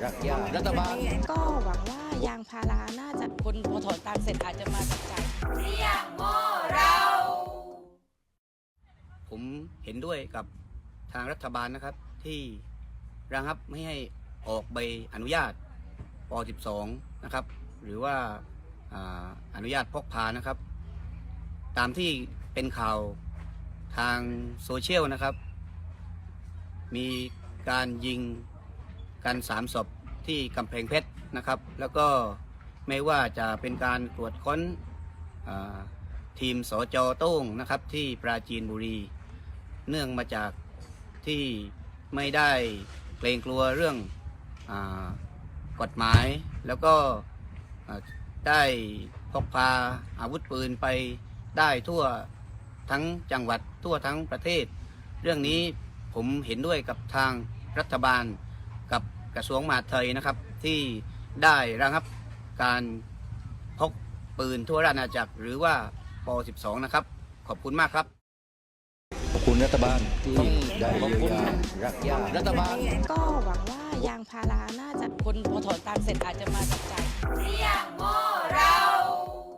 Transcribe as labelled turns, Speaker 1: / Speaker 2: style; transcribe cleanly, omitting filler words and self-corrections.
Speaker 1: รักญาติรัฐบาล
Speaker 2: ก็หวังว่ายางพาราน่าจะคนพอถอนตังค์เสร็จอาจจะมาจับจ่าย
Speaker 3: ผมเห็นด้วยกับทางรัฐบาลนะครับที่ระงับไม่ให้ออกใบอนุญาตป .12 นะครับหรือว่าอนุญาตพกพานะครับตามที่เป็นข่าวทางโซเชียลนะครับมีการยิงกัน3 ศพที่กำแพงเพชรนะครับแล้วก็ไม่ว่าจะเป็นการตรวจค้นทีมสจ.โต้งนะครับที่ปราจีนบุรีเนื่องมาจากที่ไม่ได้เกรงกลัวเรื่องกฎหมายแล้วก็ได้พกพาอาวุธปืนไปได้ทั่วทั้งจังหวัดทั่วทั้งประเทศเรื่องนี้ผมเห็นด้วยกับทางรัฐบาลกับกระทรวงมหาดไทยนะครับที่ได้ระงับการพกปืนทั่วราชอาณาจักรหรือว่าป .12 นะครับขอบคุณมากครับ
Speaker 1: ขอบคุณรัฐบาลที่ได้เยียวยารักญาติรัฐบาล
Speaker 2: ก็หวังว่ายางพาราน่าจะคนพอถอนตังค์เสร็จอาจจะมาจับจ่าย